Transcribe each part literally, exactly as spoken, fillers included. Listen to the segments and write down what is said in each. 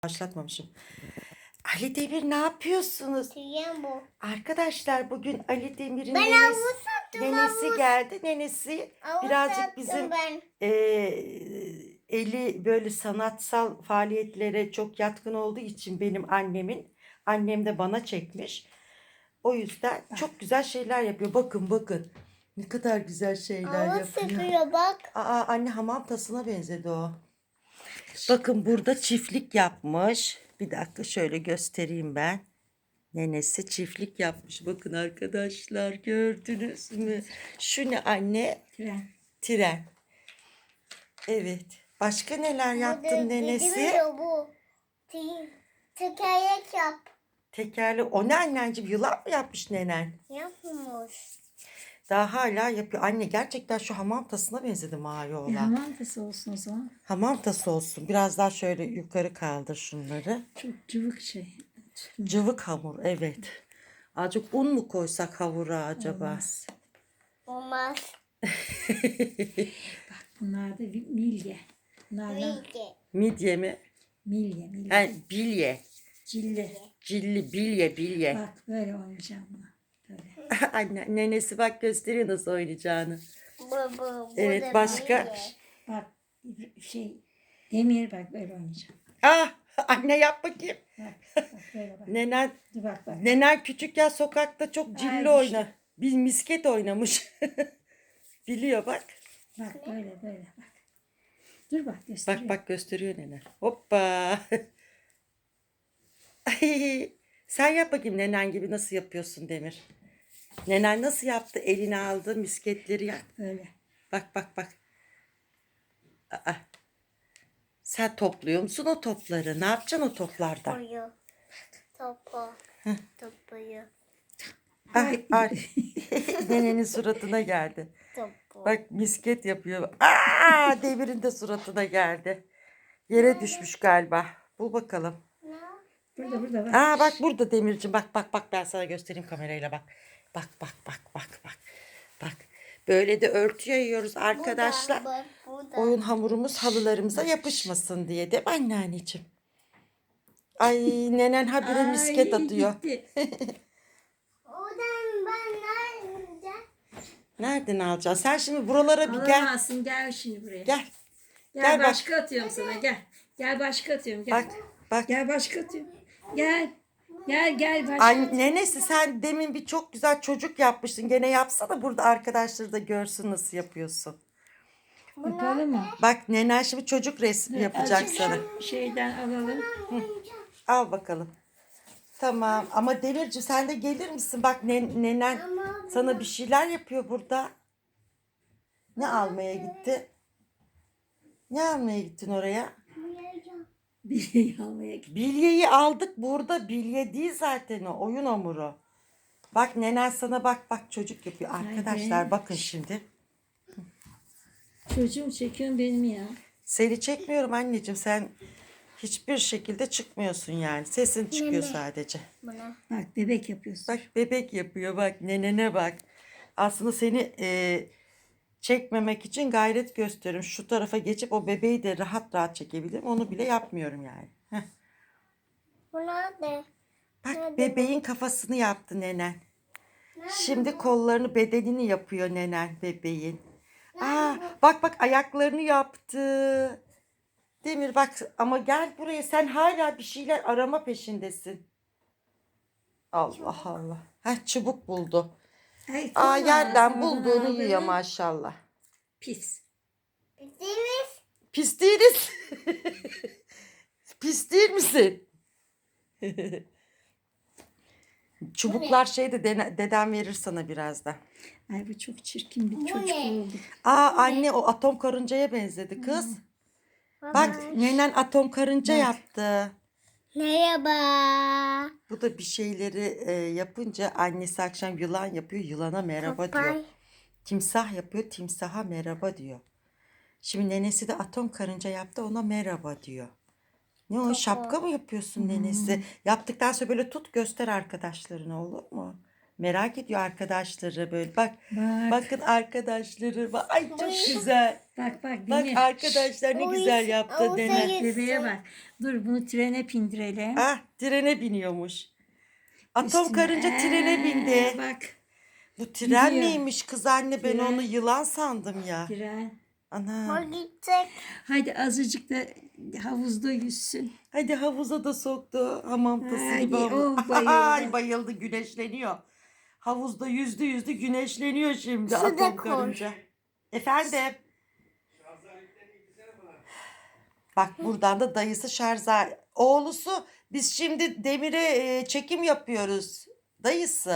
Başlatmamışım. Ali Demir ne yapıyorsunuz? Tüyen bu. Arkadaşlar bugün Ali Demir'in Ben nenesi, havuz sattım, nenesi havuz. geldi. Nenesi Havuz birazcık sattım bizim ben. e, eli böyle sanatsal faaliyetlere çok yatkın olduğu için benim annemin. Annem de bana çekmiş. O yüzden çok güzel şeyler yapıyor. Bakın bakın. Ne kadar güzel şeyler Havuz yapıyor. sıkıyor bak. Aa, anne hamam tasına benzedi o. Bakın burada çiftlik yapmış. Bir dakika şöyle göstereyim ben. Nenesi çiftlik yapmış. Bakın arkadaşlar gördünüz mü? Şu ne anne? Tren. Tren. Evet. Başka neler yaptın Burada nenesi? gidemiyor bu. Te- Tekerlek yap. Tekerle. O ne anneciğim? Yılan mı yapmış nenen? Yapmış. Daha hala yapıyor. Anne gerçekten şu hamam tasına benzedi mavi E, olan. hamam tası olsun o zaman. Hamam tası olsun. Biraz daha şöyle yukarı kaldır şunları. Çok cıvık şey. Cıvık hamur, evet. Azıcık un mu koysak hamura acaba? Olmaz. Olmaz. Bak bunlar da bir milye. Bunlar da Bilgi. Midye mi? milye milye. Ha, bilye. Cilli. Cilli, bilye, bilye. Bak böyle oynayacağım bunu. Böyle. Anne, nenesi bak gösteriyor nasıl oynayacağını. Bu, bu, bu Evet, da başka? bilgi. Bak şey demir bak böyle oynayacağım. Ah, anne yap bakayım. Bak bak böyle bak. Nenen, Dur bak bak. nenen küçükken sokakta çok Ay, cilli işte. oyna. Bir misket oynamış. Biliyor bak. Bak böyle böyle bak. Dur bak Bak gösteriyor. bak gösteriyor nenen. Hoppa. Ay, sen yap bakayım nenen gibi nasıl yapıyorsun Demir. Nenen nasıl yaptı? Eline aldı misketleri yap. Böyle. Bak bak bak. Aa, sen topluyor musun o topları? Ne yapacaksın o toplardan? Topuyu. Topu. Topuyu. Ay, ay. Nenenin suratına geldi. Topu. Bak misket yapıyor. Aa, Demir'in de suratına geldi. Yere düşmüş galiba. Bul bakalım. Burada burada bak. Aa bak burada Demirciğim. Bak bak bak ben sana göstereyim kamerayla bak. Bak bak bak bak bak. Bak. Böyle de örtü yayıyoruz arkadaşlar. Bu da, bu da. Oyun hamurumuz halılarımıza yapışmasın diye değil mi anneanneciğim? Ay nenen habire Ay, misket atıyor. gitti. Oradan ben nerede? Nereden alacaksın? Sen şimdi buralara bir gel. Alamazsın gel şimdi buraya. Gel. Gel, Gel bak. başka atıyorum sana gel. Gel başka atıyorum gel. Bak bak. Gel başka atıyorum. Gel. Gel gel başka. Ay nenesi sen demin bir çok güzel çocuk yapmıştın. Gene yapsana burada arkadaşları da görsün nasıl yapıyorsun. Yapalım mı? Bak nenen şimdi çocuk resmi yapacak Azıcık sana. şu şeyden alalım. Al bakalım. Tamam ama Demirci sen de gelir misin? Bak nen- nenen sana bir şeyler yapıyor burada. Ne almaya gitti? Ne almaya gittin oraya? Bir almaya git. Bilyeyi aldık burada. Bilye değil zaten o. Oyun hamuru. Bak nenen sana bak bak çocuk yapıyor. Arkadaşlar bakın şimdi. Çocuğum çekiyorsun benim ya. Seni çekmiyorum anneciğim. Sen hiçbir şekilde çıkmıyorsun yani. Sesin çıkıyor sadece. Buna. Bak bebek yapıyorsun. Bak bebek yapıyor bak nenene bak. Aslında seni e, çekmemek için gayret gösteriyorum. Şu tarafa geçip o bebeği de rahat rahat çekebilirim. Onu bile yapmıyorum yani. Heh. Buna ne? Bak bebeğin kafasını yaptı nenen. Şimdi kollarını bedenini yapıyor nenen bebeğin. Aa, bak bak ayaklarını yaptı. Demir bak ama gel buraya sen hala bir şeyler arama peşindesin. Allah Allah. Heh, çubuk buldu. Ay, Aa kolay yerden sana bulduğunu abi. yiyor maşallah. Pis. Deniz. Pis değiliz. Pis değil misin? Çubuklar şeyde dene- dedem verir sana birazdan. Ay bu çok çirkin bir çocuk ne? oldu. Aa anne o atom karıncaya benzedi kız. Bak nenen atom karınca Bak. yaptı. Merhaba. Bu da bir şeyleri e, yapınca annesi akşam yılan yapıyor. Yılana merhaba diyor. Papay. Timsah yapıyor. Timsaha merhaba diyor. Şimdi nenesi de atom karınca yaptı. Ona merhaba diyor. Ne o şapka mı yapıyorsun nenesi? Yaptıktan sonra böyle tut göster arkadaşlarına olur mu? Merak ediyor arkadaşları böyle. Bak. Bak. Bakın arkadaşları. Bak. Ay çok Oy. güzel. Bak bak Bak Demir. arkadaşlar ne Oy, güzel yaptı oy, nene. seni- Bebeğe bak. Dur bunu trene bindirelim. Ah trene biniyormuş. Atom Üstüne. karınca trene Ee, bindi. Bak Bu tren gidiyor. miymiş kız anne? Ben Tren. onu yılan sandım ya. tren. Ana. O gidecek. Hadi azıcık da havuzda yüzsün. Hadi havuza da soktu. Hamam tası Hadi, gibi havuz. oh, bayıldı. Ay bayıldı güneşleniyor. Havuzda yüzdü yüzdü güneşleniyor şimdi Su da atom koy. karınca. Efendim. Bak buradan da dayısı şarja. Oğlusu biz şimdi Demir'e e, çekim yapıyoruz. Dayısı.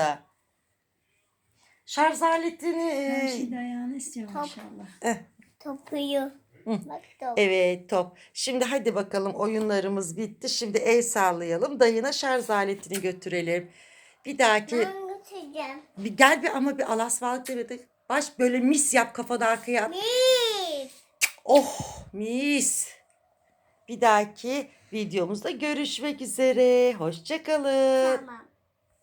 Şarj aletini e, Her şey dayağını istiyor Top. maşallah. eh, Topuyu. Bak top. evet top. Şimdi hadi bakalım oyunlarımız bitti. Şimdi el sallayalım. Dayına şarj aletini götürelim. Bir dahaki Ben götüreceğim. bir gel bir ama bir alasvalık demedi. Baş böyle mis yap kafada arkaya at. Bir. Oh mis. Bir dahaki videomuzda görüşmek üzere. Hoşça kalın. Tamam.